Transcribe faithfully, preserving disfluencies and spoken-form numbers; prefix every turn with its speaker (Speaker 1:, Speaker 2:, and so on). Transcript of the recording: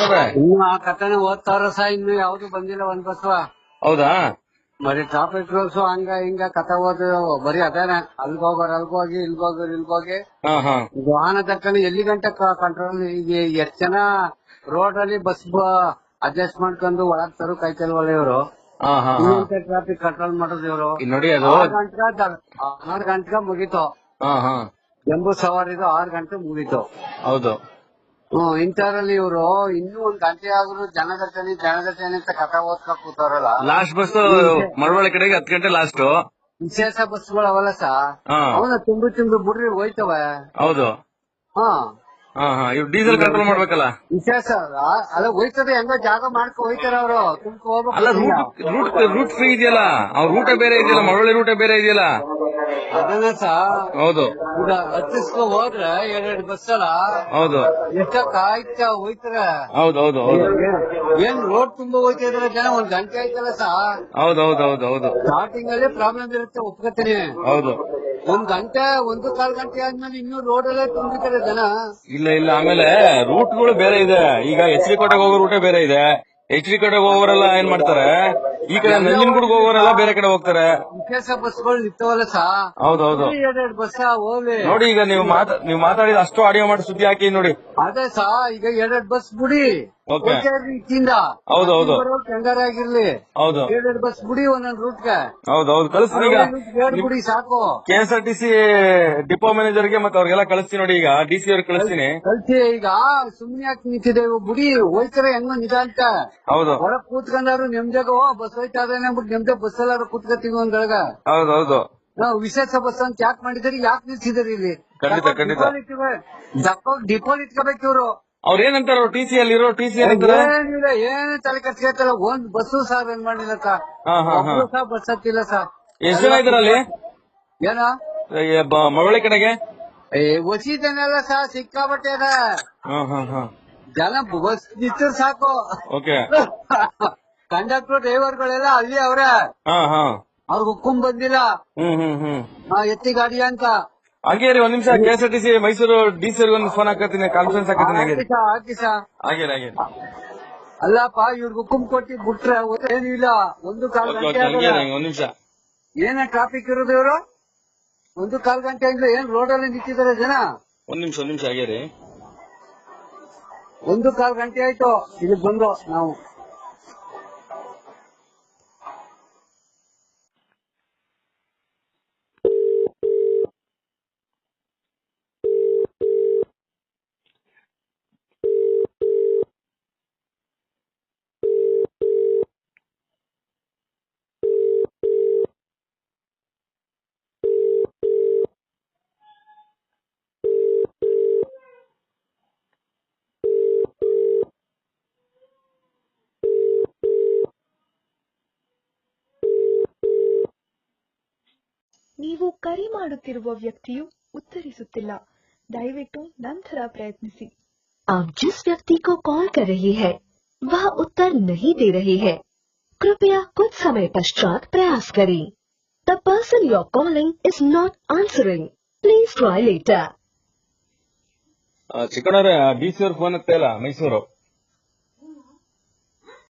Speaker 1: ಇನ್ನು ಆ ಕಥೆನ ಓದ್ತಾರ ಸಹ ಇನ್ನು ಯಾವ್ದು ಬಂದಿಲ್ಲ ಒಂದ್ ಬಸ್ವ.
Speaker 2: ಹೌದಾ?
Speaker 1: ಬರೀ ಟ್ರಾಫಿಕ್ ರೂಲ್ಸ್ ಹಂಗ ಹಿಂಗ ಕಥೆ ಓದ ಬರೀ ಅದೇನೆ. ಅಲ್ಗೋಗೋರ್ ಅಲ್ಗೋಗಿ ಇಲ್ಗೋಗೋರ್ ಇಲ್ಗೋಗಿ ವಾಹನ ತಕ್ಕನೆ ಎಲ್ಲಿ ಗಂಟೆ ಕಂಟ್ರೋಲ್. ಈಗ ಎಷ್ಟ್ ಜನ ರೋಡ್ ಅಲ್ಲಿ ಬಸ್ ಅಡ್ಜಸ್ಟ್ ಮಾಡ್ಕೊಂಡು ಒಳಗ್ ತರು ಕಾಯ್ತಲ್ವಲ್ಲ ಇವ್ರು. ಟ್ರಾಫಿಕ್ ಕಂಟ್ರೋಲ್ ಮಾಡೋದು ಇವ್ರು.
Speaker 2: ನೋಡಿ ಅದು
Speaker 1: ಆರ್ ಗಂಟೆ ಆರ್ ಗಂಟೆಗೆ ಮುಗೀತು. ಜಂಬೂ ಸವಾರಿದು ಆರ್ ಗಂಟೆ ಮುಗೀತು.
Speaker 2: ಹೌದು.
Speaker 1: ಹ್ಮ್ ಇಂಥದ್ರಲ್ಲಿ ಇವ್ರು ಇನ್ನೂ ಒಂದ್ ಗಂಟೆ ಆದ್ರೂ ಜನಗಟ್ಟನೆ ಜನಗಟ್ಟನೆ ಅಂತ ಕಥೆ ಓದ್ಕ ಕೂತಾರಲ್ಲ.
Speaker 2: ಲಾಸ್ಟ್ ಬಸ್ ಮಳವಳ್ಳಿ ಕಡೆಗೆ ಹತ್ತು ಗಂಟೆ ಲಾಸ್ಟ್.
Speaker 1: ವಿಶೇಷ ಬಸ್ಗಳು ಅವಲ್ಲ ಸಾ ಅವನ್ನ ತುಂಬಿ ತುಂಬಿ ಬಿಡ್ರಿ ಹೋಯ್ತವೆ.
Speaker 2: ಹೌದು.
Speaker 1: ಹಾ
Speaker 2: ಇವ್ ಡೀಸೆಲ್ ಕಂಟ್ರೋಲ್ ಮಾಡ್ಬೇಕಲ್ಲ.
Speaker 1: ವಿಶೇಷ ಅಲ್ಲ ಹೋಯ್ತದೆ ಹೆಂಗೋ ಜಾಗ ಮಾಡ್ಕೊ ಹೋಯ್ತಾರ ಅವರು. ತುಂಬ ಹೋಗ್ಬೇಕು.
Speaker 2: ರೂಟ್ ರೂಟ್ ಫ್ರೀ ಇದೆಯಲ್ಲ, ಅವ್ರ ರೂಟ ಬೇರೆ ಇದೆಯಲ್ಲ, ಮಳವಳ್ಳಿ ರೂಟ ಬೇರೆ ಇದೆಯಲ್ಲ.
Speaker 1: ಅದನ್ನ ಸಾ
Speaker 2: ಹೌದು.
Speaker 1: ಈಗ ಹತ್ತಿಸ್ಕೊ ಹೋದ್ರೆ ಎರಡೆರಡು ಬಸ್ ಅಲ್ಲ.
Speaker 2: ಹೌದು.
Speaker 1: ಎಷ್ಟ ಕಾಯ್ತ ಹೋಯ್ತಾರೆ.
Speaker 2: ಹೌದೌದು.
Speaker 1: ಏನ್ ರೋಡ್ ತುಂಬಾ ಹೋಯ್ತಾ ಇದಾರೆ ಜನ. ಒಂದ್ ಗಂಟೆ ಆಯ್ತಲ್ಲ ಸಾ.
Speaker 2: ಹೌದೌದೌದು. ಹೌದು.
Speaker 1: ಸ್ಟಾರ್ಟಿಂಗ್ ಅಲ್ಲಿ ಪ್ರಾಬ್ಲಮ್ ಇರುತ್ತೆ ಒಪ್ಕೋತೀನಿ.
Speaker 2: ಹೌದು.
Speaker 1: ಒಂದ್ ಗಂಟೆ ಒಂದು ಕಾಲ್ ಗಂಟೆ ಆದ್ಮೇಲೆ ಇನ್ನೂ ರೋಡ್ ಅಲ್ಲೇ ತುಂಬಿತಾರೆ ಜನ.
Speaker 2: ಇಲ್ಲ ಇಲ್ಲ ಆಮೇಲೆ ರೂಟ್ಗಳು ಬೇರೆ ಇದೆ. ಈಗ ಎಚ್ ಡಿ ಕೋಟೆಗೆ ಹೋಗೋ ರೂಟೇ ಬೇರೆ ಇದೆ. ಎಚ್ ಡಿ ಕೋಟೆಗೆ ಹೋಗೋರೆಲ್ಲ ಏನ್ ಮಾಡ್ತಾರೆ, ಈ ಕಡೆ ನಂಜನಗೂಡಿಗೆ ಹೋಗೋರೆಲ್ಲ ಬೇರೆ ಕಡೆ ಹೋಗ್ತಾರೆ.
Speaker 1: ವಿಶೇಷ ಬಸ್ಗಳು ನಿಂತವಲ್ಲ ಸಾ.
Speaker 2: ಹೌದೌದು.
Speaker 1: ಎರಡೆರಡು ಬಸ್ ಹೋಗ್ಲಿ.
Speaker 2: ನೋಡಿ ಈಗ ನೀವು ನೀವು ಮಾತಾಡಿದ ಅಷ್ಟು ಆಡಿಯೋ ಮಾಡಿ ಸುದ್ದಿ ಹಾಕಿ ನೋಡಿ.
Speaker 1: ಅದೇ ಸಾ ಈಗ ಎರಡೆರಡು ಬಸ್ ಬಿಡಿ. ಇಚ್ಚಿಂದ
Speaker 2: ಹೌದೌದು
Speaker 1: ಹೆಂಗಾರಾಗಿರ್ಲಿ.
Speaker 2: ಹೌದು.
Speaker 1: ಎರಡೆರಡು ಬಸ್ ಬಿಡಿ ಒಂದೊಂದು ರೂಟ್ಗೆ.
Speaker 2: ಹೌದೌದು ಕಳಿಸ್ತೀನಿ ಈಗ.
Speaker 1: ಬಿಡಿ ಸಾಕು.
Speaker 2: K S R T C depot ಮ್ಯಾನೇಜರ್ಗೆ ಮತ್ತೆ ಅವ್ರಿಗೆಲ್ಲ ಕಳಿಸ್ತೀನಿ ನೋಡಿ. ಈಗ ಡಿ ಸಿ ಅವ್ರಿಗೆ ಕಳಿಸ್ತೀನಿ.
Speaker 1: ಕಳ್ಸಿ ಈಗ ಸುಮ್ನೆ ಯಾಕೆ ನಿಂತಿದೆ ಬಿಡಿ ಹೋಯ್ತಾರೆ ಹೆಂಗೋ ನಿಜ ಅಂತ.
Speaker 2: ಹೌದು.
Speaker 1: ಹೊರಗ್ ಕೂತ್ಕೊಂಡಾರು ನೆಮ್ದಾಗ ಬಸ್ ಹೋಯ್ತಾ ಇದಾನೆ ಅಂದ್ಬಿಟ್ಟು ನೆಮ್ದಾಗ ಬಸ್ ಎಲ್ಲಾರು ಕೂತ್ಕೊತೀವಿ ಒಂದೊಳಗ.
Speaker 2: ಹೌದೌದು.
Speaker 1: ನಾವು ವಿಶೇಷ ಬಸ್ ಅಂತ ಯಾಕೆ ಮಾಡಿದಾರೆ, ಯಾಕೆ ನಿಲ್ಸಿದಾರೆ ಇಲ್ಲಿ?
Speaker 2: ಖಂಡಿತ ಖಂಡಿತ
Speaker 1: ಡಿಪೋ ಇಟ್ಕೋಬೇಕು ಇವ್ರು.
Speaker 2: ಅವ್ರ ಏನಂತಾರ ಟಿ ಸಿ ಅಲ್ಲಿ ಇರೋ ಟಿ ಸಿ
Speaker 1: ಏನಿಲ್ಲ ಏನು ತಲೆ ಕಟ್ಸ್ಕೊಳ್ತಾರ. ಒಂದ್ ಬಸ್ಸು ಸಾರ್ ಏನ್ ಮಾಡಿಲ್ಲ ಸಾ. ಸಹ ಬಸ್ ಹತ್ತಿಲ್ಲ ಸಾ.
Speaker 2: ಎಷ್ಟು ಜನ ಇದಾರೆ ಅಲ್ಲಿ?
Speaker 1: ಏನ
Speaker 2: ಮಳವಳ್ಳಿ ಕಡೆಗೆ
Speaker 1: ಒಸಿದನೆಲ್ಲ ಸಹ ಸಿಕ್ಕಾಬಟ್ಟೆ ಅದ ಜನ. ಬಸ್ ನಿಂತ ಸಾಕು. ಕಂಡಕ್ಟರ್ ಡ್ರೈವರ್ ಗಳೆಲ್ಲ ಅಲ್ಲಿ ಅವ್ರೆ. ಅವ್ರ ಹುಕ್ಕುಂ ಬಂದಿಲ್ಲ ಎತ್ತಿ ಗಾಡಿ ಅಂತ.
Speaker 2: ಹಾಗೆ ರೀ ಒಂದ್ ನಿಮಿಷ K S R T C Mysore D C ಒಂದು ಫೋನ್ ಹಾಕತ್ತೀನಿ, ಕಾನ್ಫರೆನ್ಸ್ ಹಾಕತ್ತೀನಿ.
Speaker 1: ಹಾಕಿ ಸಾ ಹಾಗೆ ಹಾಗೆ. ಅಲ್ಲಪ್ಪ ಇವ್ರಿಗೆ ಹುಕ್ಕುಂ ಕೊಟ್ಟಿ ಬಿಟ್ರೆ ಏನಿಲ್ಲ. ಒಂದು ಕಾಲ್ ಗಂಟೆ
Speaker 2: ಒಂದ್ ನಿಮಿಷ
Speaker 1: ಏನ ಟ್ರಾಫಿಕ್ ಇರೋದು ಇವರು. ಒಂದು ಕಾಲ್ ಗಂಟೆ ಅಂದ್ರೆ ಏನ್ ರೋಡ್ ಅಲ್ಲಿ ನಿಂತಿದ್ದಾರೆ ಜನ.
Speaker 2: ಒಂದ್ ನಿಮಿಷ ಒಂದ್ ನಿಮಿಷ ಹಾಗೆ ರೀ.
Speaker 1: ಒಂದು ಕಾಲ್ ಗಂಟೆ ಆಯ್ತು ಇಲ್ಲಿ ಬಂದು ನಾವು.
Speaker 3: ನೀವು ಕರೆ ಮಾಡುತ್ತಿರುವ ವ್ಯಕ್ತಿಯು ಉತ್ತರಿಸುತ್ತಿಲ್ಲ. ದಯವಿಟ್ಟು ನಂತರ ಪ್ರಯತ್ನಿಸಿ. आप जिस व्यक्ति को कॉल कर रही है वह उत्तर नहीं दे रही है. कृपया कुछ समय पश्चात प्रयास करें. The person you are calling is not answering. Please try later.
Speaker 2: ಚಿಕ್ಕಣ್ಣವ್ರೆ ಡಿ ಸಿ ಅವ್ರ ಫೋನ್ ಹತ್ತ ಇಲ್ಲ ಮೈಸೂರು.